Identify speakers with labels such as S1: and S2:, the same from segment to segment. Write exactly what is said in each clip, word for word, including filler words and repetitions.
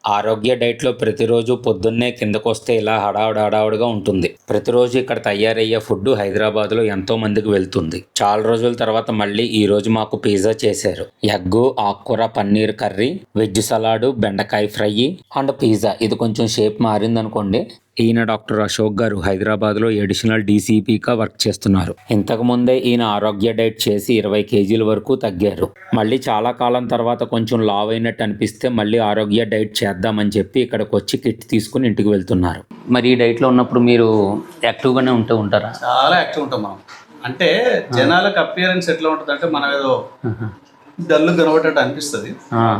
S1: ఆరోగ్య డైట్లో ప్రతిరోజు పొద్దున్నే కిందకొస్తే ఇలా హడావుడి హడావుడిగా ఉంటుంది. ప్రతిరోజు ఇక్కడ తయారయ్యే ఫుడ్ హైదరాబాద్లో ఎంతో మందికి వెళ్తుంది. చాలా రోజుల తర్వాత మళ్ళీ ఈ రోజు మాకు పిజ్జా చేశారు. ఎగ్గు, ఆకుకూర, పన్నీర్ కర్రీ, వెజ్ సలాడు, బెండకాయ ఫ్రై అండ్ పిజ్జా. ఇది కొంచెం షేప్ మారిందనుకోండి. ఈయన డాక్టర్ అశోక్ గారు హైదరాబాద్లో అడిషనల్ డీసీపీగా వర్క్ చేస్తున్నారు. ఇంతకుముందే ఈయన ఆరోగ్య డైట్ చేసి ఇరవై కేజీల వరకు తగ్గారు. మళ్ళీ చాలా కాలం తర్వాత కొంచెం లావ్ అయినట్టు అనిపిస్తే మళ్ళీ ఆరోగ్య డైట్ చేద్దామని చెప్పి ఇక్కడికి వచ్చి కిట్ తీసుకుని ఇంటికి వెళ్తున్నారు. మరి ఈ డైట్లో ఉన్నప్పుడు మీరు యాక్టివ్గానే ఉంటూ ఉంటారా?
S2: చాలా యాక్టివ్ ఉంటాం మనం. అంటే జనాలకు అపియరెన్స్ ఎట్లా ఉంటుంది అంటే మనం ఏదో డల్లు కనబడేటట్టు అనిపిస్తుంది,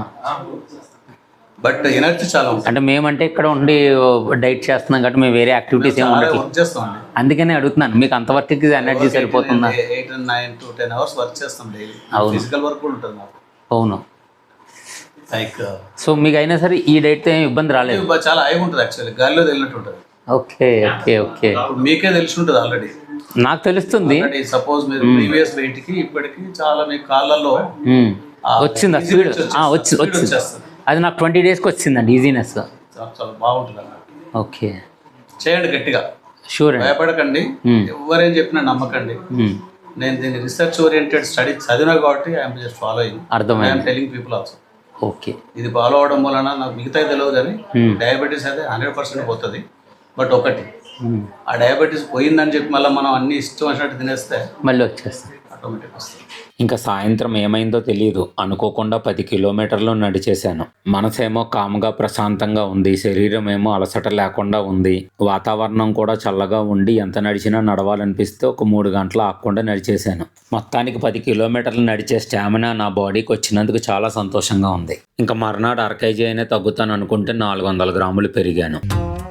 S2: బట్ ఎనర్జీ చాలా ఉంటుంది.
S1: అంటే మేమంటే ఇక్కడ ఉండి డైట్ చేస్తున్నాం కాబట్టి మేము వేరే యాక్టివిటీస్ ఏమి
S2: వర్క్ చేస్తాం.
S1: అందుకనే అడుగుతున్నాను, మీకు అంతవరకు ఎనర్జీ సరిపోతుందా?
S2: Eight nine to ten hours work చేస్తాం డైలీ. ఫిజికల్ వర్క్ కూడా ఉంటుంది మాకు.
S1: అవును.
S2: లైక్
S1: సో మీకు అయినా సరే ఈ డైట్ ఏమి ఇబ్బంది రాలేదు?
S2: చాలా హై ఉంటుంది యాక్చువల్లీ, గాలిలో తెలినట్టు ఉంటుంది.
S1: ఓకే ఓకే ఓకే
S2: మీకే తెలిసి ఉంటుంది ఆల్రెడీ.
S1: నాకు తెలుస్తుంది.
S2: సపోజ్ మీరు ప్రీవియస్ వెయిట్ కి ఇప్పటికి చాలా మీ కాళ్ళల్లో
S1: వచ్చిందా స్పీడ్? వచ్చి వచ్చి అది నాకు ట్వంటీ డేస్కి వచ్చిందండి ఈజీనెస్.
S2: చాలా బాగుంటుంది అన్నమాట.
S1: ఓకే,
S2: చేయండి గట్టిగా,
S1: షూర్,
S2: భయపడకండి, ఎవరేం చెప్పినా నమ్మకండి. నేను దీన్ని రీసెర్చ్ ఓరియంటెడ్ స్టడీ చదివినా కాబట్టి ఐఎమ్ జస్ట్ ఫాలోయింగ్.
S1: అర్థమైంది.
S2: I'm telling people also.
S1: Okay,
S2: ఇది ఫాలో అవడం వలన నాకు మిగతా తెలియదు కానీ డయాబెటీస్ అయితే హండ్రెడ్ పర్సెంట్ పోతుంది. బట్ ఒకటి, ఆ డయాబెటీస్ పోయిందని చెప్పి మళ్ళీ మనం అన్ని ఇష్టం వచ్చినట్టు తినేస్తే
S1: మళ్ళీ వచ్చేస్తాం,
S2: ఆటోమేటిక్ వస్తుంది.
S1: ఇంకా సాయంత్రం ఏమైందో తెలియదు, అనుకోకుండా పది కిలోమీటర్లు నడిచేశాను. మనసేమో కామ్గా ప్రశాంతంగా ఉంది, శరీరం ఏమో అలసట లేకుండా ఉంది, వాతావరణం కూడా చల్లగా ఉండి ఎంత నడిచినా నడవాలనిపిస్తే ఒక మూడు గంటలు ఆగకుండా నడిచేశాను. మొత్తానికి పది కిలోమీటర్లు నడిచే స్టామినా నా బాడీకి వచ్చినందుకు చాలా సంతోషంగా ఉంది. ఇంకా మర్నాడు అర కేజీ అయినా తగ్గుతాను అనుకుంటే నాలుగు వందల గ్రాములు పెరిగాను.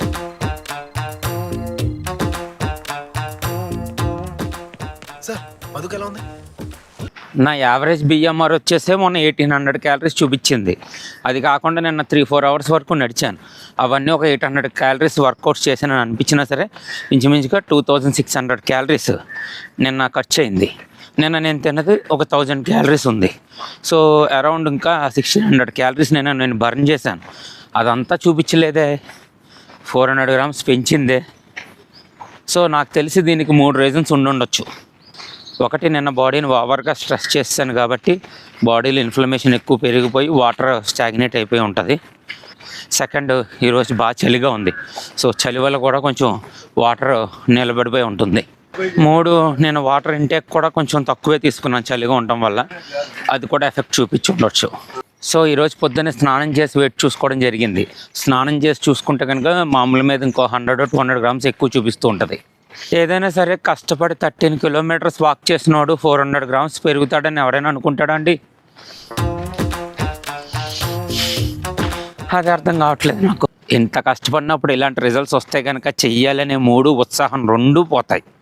S1: నా యావరేజ్ బిఎంఆర్ వచ్చేసే మొన్న ఎయిటీన్ హండ్రెడ్ క్యాలరీస్ చూపించింది. అది కాకుండా నిన్న త్రీ ఫోర్ అవర్స్ వరకు నడిచాను. అవన్నీ ఒక ఎయిట్ హండ్రెడ్ క్యాలరీస్ వర్కౌట్స్ చేశానని అనిపించినా సరే ఇంచుమించుగా two thousand six hundred calories నిన్న ఖర్చు అయింది. నిన్న నేను తిన్నది ఒక థౌజండ్ క్యాలరీస్ ఉంది. సో అరౌండ్ ఇంకా సిక్స్టీన్ హండ్రెడ్ క్యాలరీస్ నేను నేను బర్న్ చేశాను. అదంతా చూపించలేదే, ఫోర్ హండ్రెడ్ గ్రామ్స్ పెంచిందే. సో నాకు తెలిసి దీనికి మూడు రీజన్స్ ఉండుండొచ్చు. ఒకటి, నిన్న బాడీని ఓవర్గా స్ట్రెస్ చేస్తాను కాబట్టి బాడీలో ఇన్ఫ్లమేషన్ ఎక్కువ పెరిగిపోయి వాటర్ స్టాగ్నేట్ అయిపోయి ఉంటుంది. సెకండ్, ఈరోజు బాగా చలిగా ఉంది, సో చలి వల్ల కూడా కొంచెం వాటర్ నిలబడిపోయి ఉంటుంది. మూడు, నేను వాటర్ ఇంటేక్ కూడా కొంచెం తక్కువే తీసుకున్నాను చలిగా ఉండటం వల్ల, అది కూడా ఎఫెక్ట్ చూపించి ఉండొచ్చు. సో ఈరోజు పొద్దున్నే స్నానం చేసి వెయిట్ చూసుకోవడం జరిగింది. స్నానం చేసి చూసుకుంటే కనుక మామూలు మీద ఇంకో హండ్రెడ్ టూ హండ్రెడ్ గ్రామ్స్ ఎక్కువ చూపిస్తూ ఉంటుంది. ఏదైనా సరే కష్టపడి థర్టీన్ కిలోమీటర్స్ వాక్ చేసినోడు ఫోర్ హండ్రెడ్ గ్రామ్స్ పెరుగుతాడని ఎవరైనా అనుకుంటాడా అండి? అది అర్థం కావట్లేదు నాకు. ఇంత కష్టపడినప్పుడు ఇలాంటి రిజల్ట్స్ వస్తే కనుక చెయ్యాలనే మూడు, ఉత్సాహం రెండూ పోతాయి.